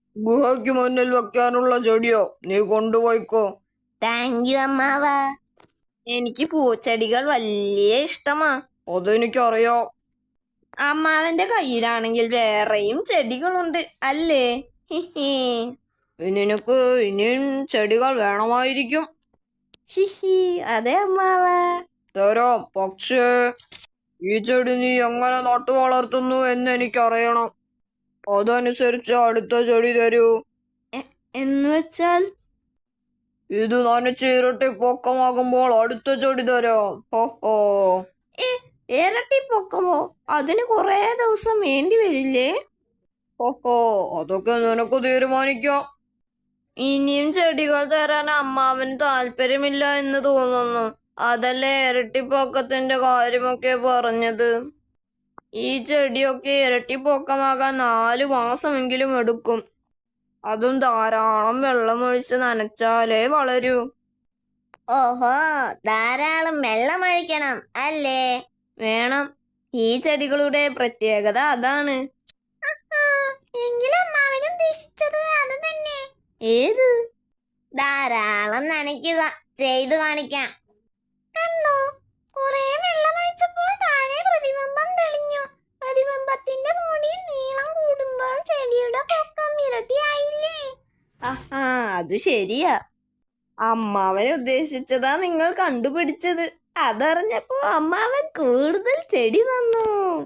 ഗുഹയ്ക്ക് മുന്നിൽ വെക്കാനുള്ള ചെടിയോ നീ കൊണ്ടുപോയിക്കോ. താങ്ക് യു അമ്മാവ. എനിക്ക് പൂച്ചെടികൾ വലിയ ഇഷ്ടമാ. അതെനിക്കറിയാം. അമ്മാവന്റെ കയ്യിലാണെങ്കിൽ വേറെയും ചെടികളുണ്ട് അല്ലേ? ഹിഹി. നിനക്ക് ഇനിയും ചെടികൾ വേണമായിരിക്കും. ഹിഹി. അതെ അമ്മാവ. തരാം, പക്ഷേ ഈ ചെടി നീ എങ്ങനെ നട്ടു വളർത്തുന്നു എന്ന് എനിക്കറിയണം. അതനുസരിച്ച് അടുത്ത ചെടി തരൂ. എന്ന് വെച്ചാൽ? ഇത് നനച്ച് ഇരട്ടി പൊക്കമാകുമ്പോൾ അടുത്ത ചെടി തരാം. ഹോ. ഇരട്ടി പൊക്കമോ? അതിന് കുറെ ദിവസം വേണ്ടി വരില്ലേ? ഹോ, അതൊക്കെ നിനക്ക് തീരുമാനിക്കാം. ഇനിയും ചെടികൾ തരാൻ അമ്മാവന് താല്പര്യമില്ല എന്ന് തോന്നുന്നു. അതല്ലേ ഇരട്ടിപ്പൊക്കത്തിന്റെ കാര്യമൊക്കെ പറഞ്ഞത്. ഈ ചെടിയൊക്കെ ഇരട്ടിപ്പൊക്കമാകാൻ 4 മാസമെങ്കിലും എടുക്കും. അതും ധാരാളം വെള്ളമൊഴിച്ച് നനച്ചാലേ വളരൂ. ഓഹോ, ധാരാളം വെള്ളമൊഴിക്കണം അല്ലേ? വേണം. ഈ ചെടികളുടെ പ്രത്യേകത അതാണ്. എങ്കിലും അമ്മാവൻ ഉദ്ദേശിച്ചത് അത് തന്നെ. ഏത്? ധാരാളം നനയ്ക്കുക. ചെയ്തു കാണിക്കാം. കണ്ടോ, കുറെ വെള്ളമൊഴിച്ചപ്പോൾ താഴെ പ്രതിബിംബം തെളിഞ്ഞു. പ്രതിബിംബത്തിന്റെ മുടി നീളം കൂടുമ്പോൾ ചെടിയുടെ പൊക്കം ഇരട്ടിയായില്ലേ? അത് ശരിയാ. അമ്മാവൻ ഉദ്ദേശിച്ചതാ നിങ്ങൾ കണ്ടുപിടിച്ചത്. അതറിഞ്ഞപ്പോ അമ്മാവൻ കൂടുതൽ ചെടി തന്നു.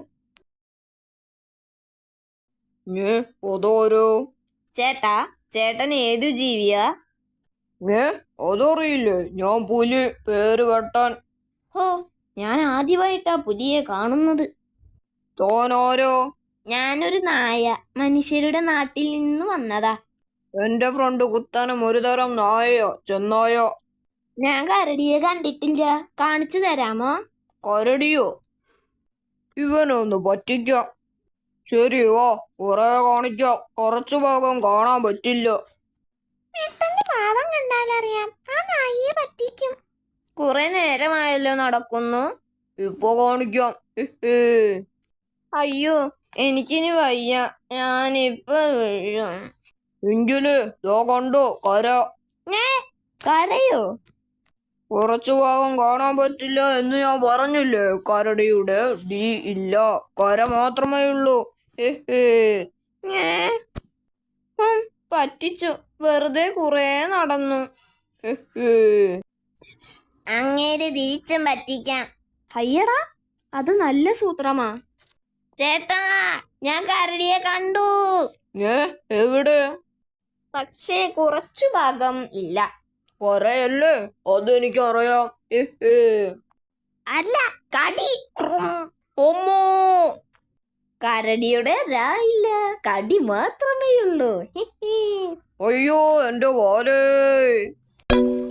അതോരോ ചേട്ടൻ ഏതു ജീവിയാ? അതറിയില്ലേ? ഞാൻ പുലി. പേര് വെട്ടാൻ. ഹോ, ഞാൻ ആദ്യമായിട്ടാ പുലിയെ കാണുന്നത്. തോനാരോ? ഞാനൊരു നായ. മനുഷ്യരുടെ നാട്ടിൽ നിന്ന് വന്നതാ. എന്റെ ഫ്രണ്ട് കുത്താനും ഒരു തരം നായയോ ചെന്നായോ. ഞാൻ കരടിയെ കണ്ടിട്ടില്ല. കാണിച്ചു തരാമോ? കരടിയോ? ഇവനൊന്ന് പറ്റിക്കാം. ശരി, വാ, കുറെ കാണിക്കാം. കുറച്ചു ഭാഗം കാണാൻ പറ്റില്ല. പാവം കണ്ടാലറിയാം ആ നായിയെ പറ്റിക്കും. കുറെ നേരമായല്ലോ നടക്കുന്നു. ഇപ്പൊ കാണിക്കാം. അയ്യോ, എനിക്കിനി വയ്യ. ഞാനിപ്പോ വീഴും. എങ്കില് ദോ കണ്ടോ കര. കരയോ? കുറച്ചു ഭാഗം കാണാൻ പറ്റില്ല എന്ന് ഞാൻ പറഞ്ഞില്ലേ. കരടിയുടെ ഡി ഇല്ല, കര മാത്രമേ ഉള്ളൂ. പറ്റിച്ചു. വെറുതെ കുറെ നടന്നു. അങ്ങേര് തിരിച്ചും പറ്റിക്കാം. അയ്യടാ, അത് നല്ല സൂത്രമാ. ചേട്ടാ, ഞാൻ കരടിയെ കണ്ടു. എവിടെ? പക്ഷേ കുറച്ചു ഭാഗം ഇല്ല. കൊറയല്ലേ? അതെനിക്കറിയാം. അല്ല, കടി. ഒമ്മോ, കരടിയുടെ ഇല്ല, കടി മാത്രമേ ഉള്ളൂ. അയ്യോ, എന്റെ വാലേ.